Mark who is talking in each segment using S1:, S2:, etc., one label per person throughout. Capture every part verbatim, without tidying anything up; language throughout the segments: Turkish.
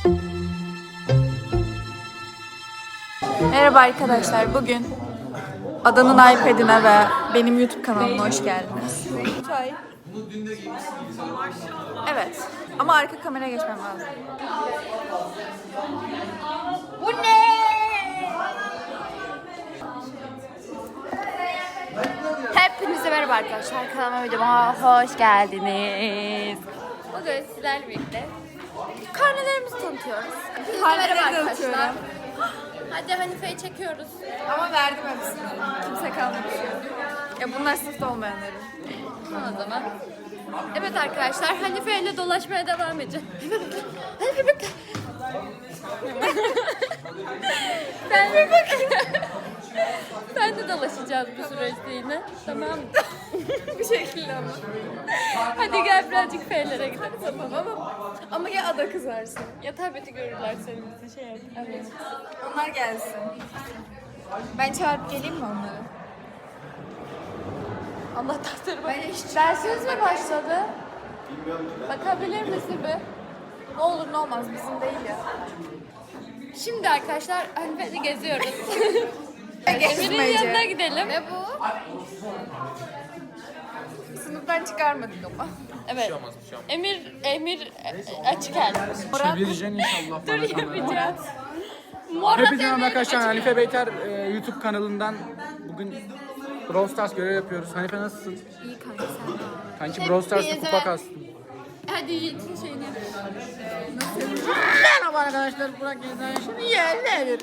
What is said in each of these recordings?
S1: Merhaba arkadaşlar, bugün Adanın iPad'ine ve benim YouTube kanalıma hoş geldiniz. Çay. Evet, ama arka kameraya geçmem lazım. Bu ne? Hepinize merhaba arkadaşlar, kanalıma videoma hoş geldiniz. Bugün sizlerle birlikte karnelerimizi tanıtıyoruz. Merhaba arkadaşlar. Hadi Hanife'yi çekiyoruz. Ama verdim hepsini. Kimse kalmamış. Ya bunlar sınıfta olmayanların. O zaman. Evet arkadaşlar, Hanife ile dolaşmaya devam edeceğim. Hanife bekle. Ben de bekle. Ben de dolaşacağız bu süreçte yine. Tamam mı? Bu şekilde ama. Hadi gel birazcık F'lere gidelim. Tamam ama. Ama ya ada kızarsın. Ya tableti görürler senin bizi şey yap. Evet. Onlar gelsin. Ben çağırıp geleyim mi onları? Allah tahtları bak. Dersiniz mi başladı? Bakabilir misin bir? Ne olur ne olmaz, bizim değil ya. Şimdi arkadaşlar Hanife'de geziyoruz. Emir'in yanına gidelim. Ne bu? Sınıftan çıkarmadık ama. Evet. Emir, Emir açık el.
S2: Çevireceksin inşallah.
S1: Dur yapacağız.
S2: Hepinize merhaba arkadaşlar. Hanife Beyter e, YouTube kanalından bugün Brawl Stars görev yapıyoruz. Hanife nasılsın?
S1: İyi kanka sen.
S2: Kanki Brawl Stars'ta kupa kastım.
S1: Hadi Yiğit'in şeyini.
S2: Merhaba arkadaşlar. Burak Gezden şimdi yerler.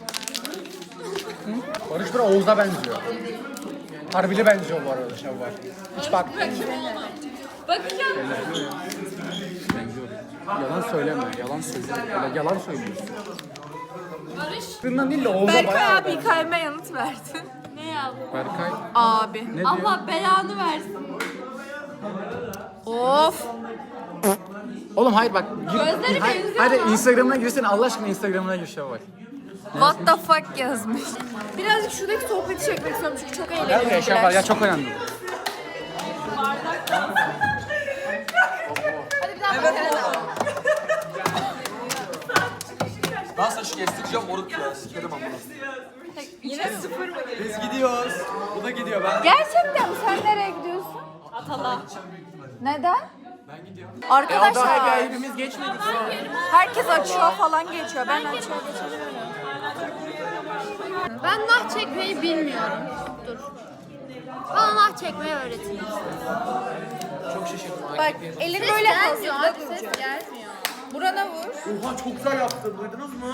S2: Barış Bura Oğuz'a benziyor. Harbili benziyor bu arada Şevval. Hiç bak.
S1: Bakacağım.
S2: Benziyor. Yalan söyleme. Yalan söylüyorsun. Öyle yalan söylüyorsun.
S1: Barış.
S2: Sırından değil de Oğuz'a
S1: Berkay
S2: bayağı
S1: abi
S2: benziyor.
S1: hikayeme yanıt verdin. Ne yazdın?
S2: Berkay.
S1: Abi.
S2: Ne diyor?
S1: Allah belanı versin. Of.
S2: Oğlum hayır bak. Gir,
S1: Gözleri
S2: hayır,
S1: benziyor
S2: hadi
S1: ama.
S2: Instagram'ına girsene. Allah aşkına Instagram'ına gir Şevval.
S1: What the fuck yazmış. Birazcık şuradaki sohbeti çekmek istiyorum çünkü çok
S2: Gel buraya
S1: eğlenceli.
S2: Şevval ya, çok önemli.
S1: Hadi bir daha bakalım.
S3: Ben saçı kestireceğim moruk ya. Sikerim ama.
S1: Yine sıfır mı?
S3: Biz gidiyoruz. Bu da gidiyor ben.
S1: Gerçekten mi? Sen nereye gidiyorsun? Atala. Neden?
S3: Ben gidiyorum.
S1: Arkadaşlar.
S2: hepimiz geçmedik şu an.
S1: Herkes açıyor falan geçiyor. Ben açığa geçemiyorum.
S4: Ben nah çekmeyi bilmiyorum. Dur. Bana nah çekmeyi öğretin.
S2: Çok şaşırdım.
S1: Bak elin
S4: Ses
S1: böyle
S4: gelmiyor
S1: hazırda
S4: abi, ses
S1: duracak.
S4: gelmiyor.
S1: Burana vur.
S2: Oha çok güzel yaptın. Duydunuz mu?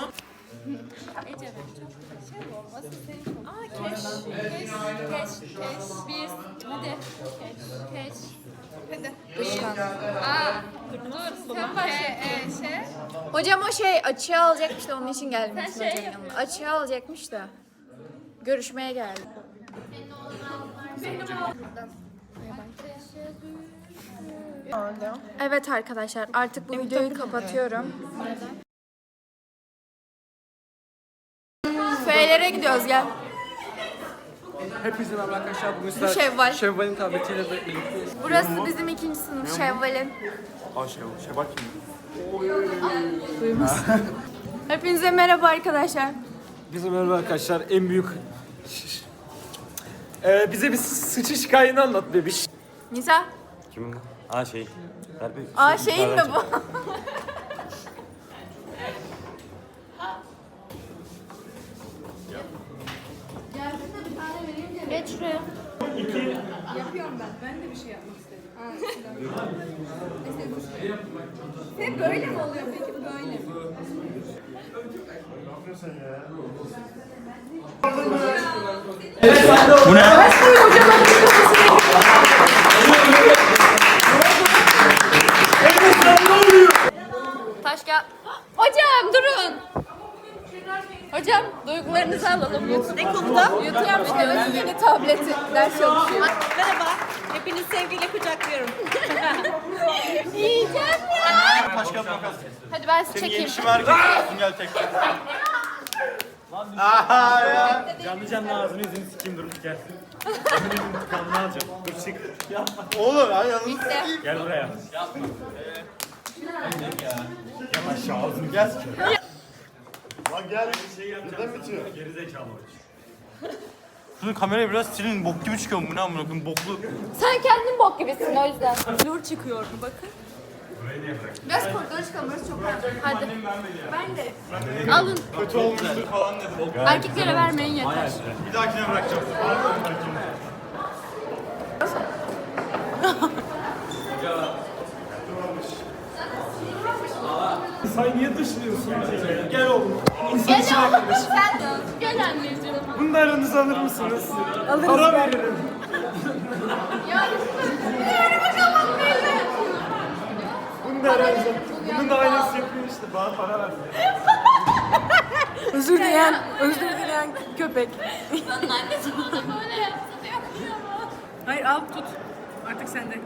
S4: Aa keş, keş, keş, keş, biz. Hadi. Keş, keş. Hadi.
S1: Dışkan.
S4: Aa, dur, dur. Sen başla. E, e, şey.
S1: Hocam o şey açığa alacakmış da onun için gelmiş.
S4: Sen şey
S1: hocanın yanına. Açığa alacakmış da. Görüşmeye geldi. Evet arkadaşlar artık bu videoyu kapatıyorum. F'lere gidiyoruz gel.
S2: Hepinize merhaba arkadaşlar. Bugün
S1: Bu
S2: sizler
S1: Şevval.
S2: Şevval'in tabletiyle birlikteyiz.
S1: Burası bizim ikinci sınıf Şevval'in.
S2: Aa Şevval. Şevval kim?
S1: Hepinize merhaba arkadaşlar.
S3: Bizim merhaba arkadaşlar. En büyük... Ee, bize bir sıçış hikayeni anlat bebiş.
S1: Nisa.
S5: Kim bu? Aa şey. Ver bir.
S1: Aa şeyin mi bu?
S4: Geç şuraya.
S1: Taş kağıt. Hocam durun. Hocam duygularınızı alalım. Ne konuda? Yutuyorum işte yeni tableti ders çalışıyor.
S6: Merhaba. Hepinizi sevgiyle kucaklıyorum.
S1: Yiyeceğim ya.
S5: Başka makas.
S1: Hadi ben sizi çekeyim.
S5: Erkek gel tek. Aha ya. Canlı canlı ağzını yüzünü sikeyim dur gel. Emin'in intikamını alacağım. Dur çık. Oğlum ay yalnız.
S1: Bitti.
S5: Gel buraya. Yapma. Yavaş. Aşağı ağzını gel.
S7: Lan gel.
S5: Şey yapacağım.
S7: Neden bitiyor?
S5: Geri zekalı.
S7: Şunu kamerayı biraz silin. Bok gibi çıkıyor bu ne amına koyayım boklu.
S1: Sen kendin bok gibisin o yüzden.
S4: Nur çıkıyor mu bakın.
S5: Burayı niye bıraktın?
S4: Biraz koridora çıkalım, burası çok rahat. Hadi. Ben de.
S1: Alın.
S7: Kötü olmuştur falan dedim.
S1: Erkeklere vermeyin yeter.
S7: Bir dahakine bırakacağım.
S5: Sen niye dışlıyorsun? Gel oğlum.
S1: Gel oğlum sen de. Gel anneciğim.
S5: Bunu da aranıza alır mısınız? Alırız. Para veririm. Bunu da aranıza. Bunun da aynısı yapıyor işte. Bana para ver.
S6: Özür dileyen, özür dileyen köpek.
S1: Onun annesi bana böyle yaptı diyor.
S6: Hayır al tut. Artık sende.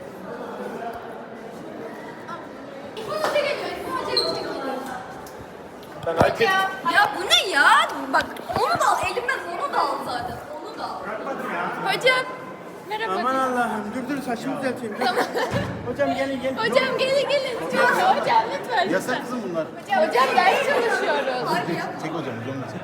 S1: Bunu da geliyor. Hocam çekiyor.
S5: Ben hak ettim.
S1: Ya bu ne ya? Bak onu da al. Elimden onu da al zaten. Onu da al. Hocam. Merhaba.
S2: Aman Allah'ım dur dur saçımı düzelteyim. Hocam gelin gelin.
S1: Hocam gelin gelin. Hocam, hocam lütfen.
S7: Yasak kızım bunlar.
S1: Hocam ders çalışıyoruz.
S7: Çek hocam hocam da çek.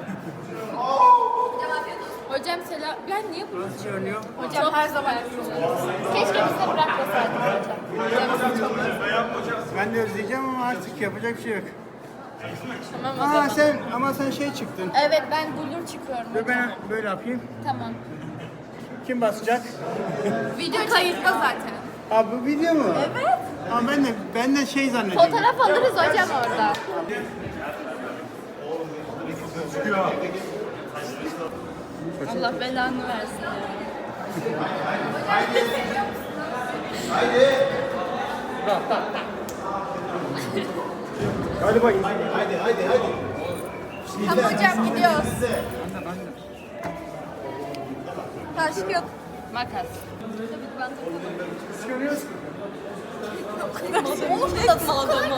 S1: Hocam selam. Ben niye bunu?
S2: Nasıl görünüyor?
S1: Hocam her zaman keşke bize bırakmasaydın hocam.
S2: Ben de özleyeceğim ama artık yapacak bir şey yok.
S1: Tamam o zaman.
S2: Aa sen ama sen şey çıktın.
S1: Evet ben blur çıkıyorum.
S2: Dur ben böyle yapayım.
S1: Tamam.
S2: Kim basacak?
S1: Video kayıtta zaten.
S2: Aa bu video mu?
S1: Evet.
S2: Ama ben de ben de şey zannediyorum.
S1: Fotoğraf alırız hocam orada. Allah belanı versin.
S2: Hadi bakayım.
S1: Tamam hocam gidiyoruz. Taş kağıt makas.
S2: Görüyorsun.
S1: Oğlum da adamı.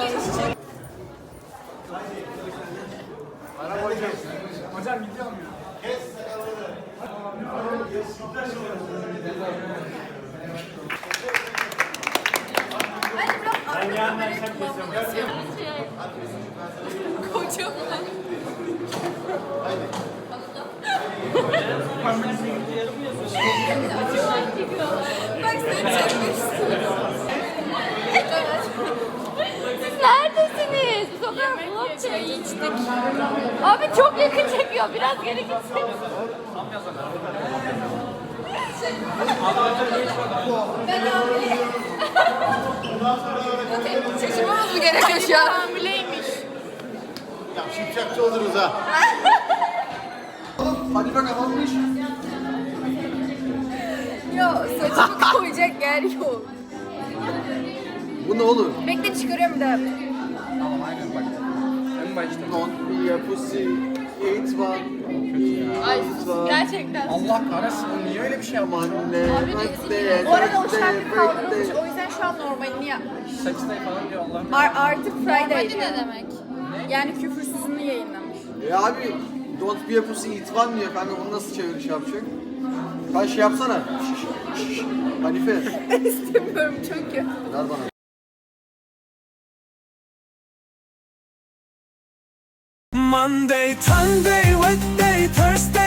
S2: Hocam gidiyor mu?
S5: Ben yarından sen kesiyorum.
S1: Kocaman. Bak seni çekmek istiyorum. Siz neredesiniz? Biz o kadar vlog çektik. Abi çok yakın çekiyor. Biraz geri gitsin. Ben hamileyim. Şaşırmamız mı gerekiyor şu an? Hamileymiş.
S7: Ya şipşakçı oluruz ha. Hadi bak kapanmış.
S1: Yok saçımı koyacak yer yok.
S7: Bu ne olur?
S1: Bekle çıkarıyorum bir daha.
S2: Tamam aynen bak. En başta.
S7: Don't be a pussy. It var.
S1: Ay gerçekten.
S2: Allah kahretsin o niye öyle bir şey yapmış?
S1: Bu arada o şarkı kaldırılmış. O yüzden şu an normalini yapmış.
S2: Saçtay falan diyor Allah.
S1: Ar- artık Friday diyor. Ne demek? Yani küfürsüzünü yayınlamış.
S7: E abi don't be a pussy it var mı ya kanka bunu nasıl çeviriş yapacak? Sen şey yapsana. Şş, şş, şş. Hanife.
S1: İstemiyorum çünkü.
S7: Ver bana.
S8: Monday, Sunday, Wednesday, Thursday